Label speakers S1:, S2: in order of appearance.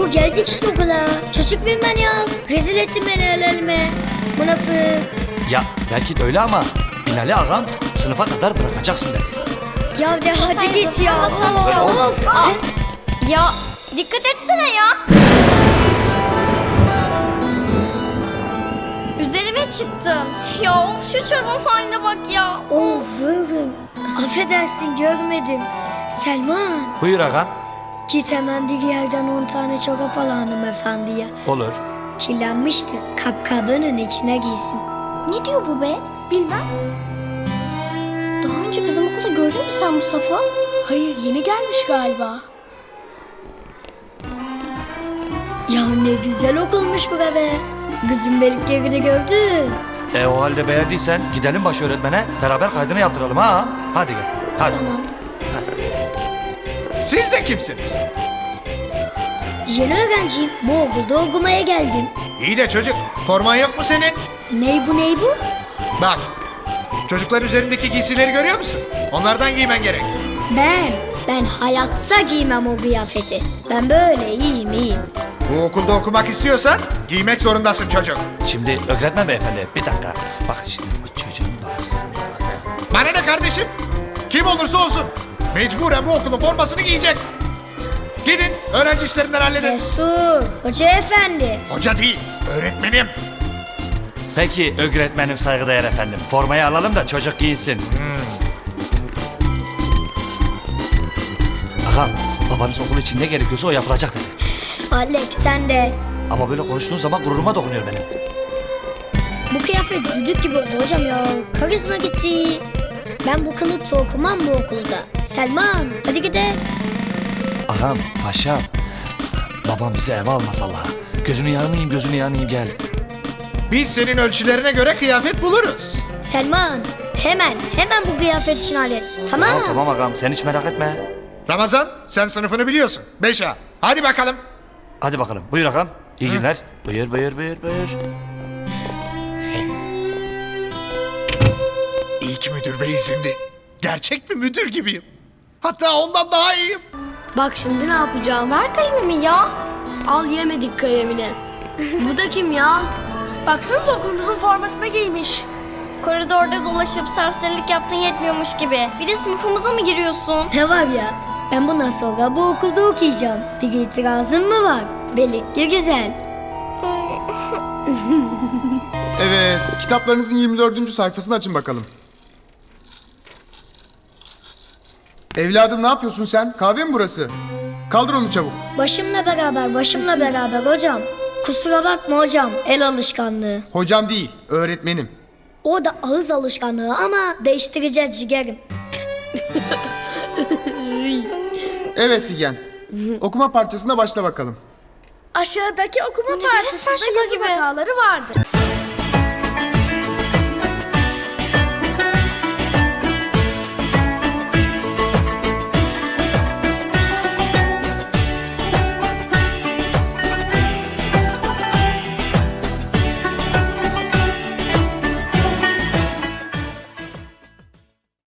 S1: geldik işte okula. Çocuk muyum ben ya? Rezil ettin beni el elime. Münafık.
S2: Ya belki de öyle ama Binali ağam sınıfa kadar bırakacaksın dedi.
S1: Ya de hadi git ya.
S2: Böyle olmaz.
S1: Of.
S3: Ya dikkat etsene ya. Üzerime çıktın. Ya of, şu çorabın haline bak ya.
S1: Of buyurun. Affedersin görmedim. Selman.
S2: Buyur ağam.
S1: Git hemen bir yerden 10 tane çorap al hanımefendiye.
S2: Olur.
S1: Kirlenmişti. Kapkabının içine giysin.
S3: Ne diyor bu be? Bilmem. Daha önce bizim okulda gördün mü sen Mustafa?
S4: Hayır, yeni gelmiş galiba.
S1: Ya ne güzel okulmuş bu be. Kızın beliklerini gördün.
S2: O halde beğendiysen gidelim baş öğretmene beraber kaydını yaptıralım ha. Hadi gel. Hadi.
S1: Tamam.
S5: Siz de kimsiniz?
S1: Yeni öğrenciyim. Bu okulda okumaya geldim.
S5: İyi de çocuk, forman yok mu senin?
S1: Ney bu?
S5: Bak, çocuklar üzerindeki giysileri görüyor musun? Onlardan giymen gerek.
S1: Ben hayatta giymem o kıyafeti. Ben böyle iyiyim.
S5: Bu okulda okumak istiyorsan giymek zorundasın çocuk.
S2: Şimdi öğretmen beyefendi bir dakika. Bak şimdi bu çocuğun bazı.
S5: Bana ne kardeşim? Kim olursa olsun mecburen bu okulun formasını giyecek. Gidin öğrenci işlerinden halledin.
S1: Resul, hoca efendi.
S5: Hoca değil, öğretmenim.
S2: Peki öğretmenim saygıdeğer efendim. Formayı alalım da çocuk giyinsin. Ağam babanız okul için ne gerekiyorsa o yapılacak dedi.
S1: Alex sen de.
S2: Ama böyle konuştuğun zaman gururuma dokunuyor benim.
S1: Bu kıyafet düdük gibi oldu hocam ya. Karizma gitti. Ben bu kılıkta okumam bu okulda. Selman hadi gidelim.
S2: Ağam, paşam. Babam bizi eve almaz vallahi. Gözünü yanayım gel.
S5: Biz senin ölçülerine göre kıyafet buluruz.
S1: Selman hemen bu kıyafet için hallet. Tamam.
S2: Tamam ağam sen hiç merak etme.
S5: Ramazan, sen sınıfını biliyorsun. 5A. Hadi bakalım.
S2: Hadi bakalım buyur ağam. İyi günler. Buyur.
S5: İlk müdür bey izinli. Gerçek bir müdür gibiyim. Hatta ondan daha iyiyim.
S4: Bak şimdi ne yapacağım?
S3: Ver kalemimi ya.
S4: Al yemedik kalemini. Bu da kim ya? Baksanıza okulumuzun formasını giymiş.
S3: Koridorda dolaşıp serserilik yaptın yetmiyormuş gibi. Bir de sınıfımıza mı giriyorsun?
S1: Ne var ya? Ben bundan sonra bu okulda okuyacağım. Bir itirazın mı var? Belikli güzel.
S6: Evet, kitaplarınızın 24. sayfasını açın bakalım. Evladım ne yapıyorsun sen? Kahve mi burası? Kaldır onu çabuk.
S1: Başımla beraber hocam. Kusura bakma hocam, el alışkanlığı.
S6: Hocam değil, öğretmenim.
S1: O da ağız alışkanlığı ama değiştireceğiz ciğerim.
S6: Evet Figen. Okuma parçasına başla bakalım.
S4: Aşağıdaki okuma
S3: Bu ne be, resmen
S4: parçasında
S3: şaka
S4: yazım
S3: gibi.
S4: hataları vardı.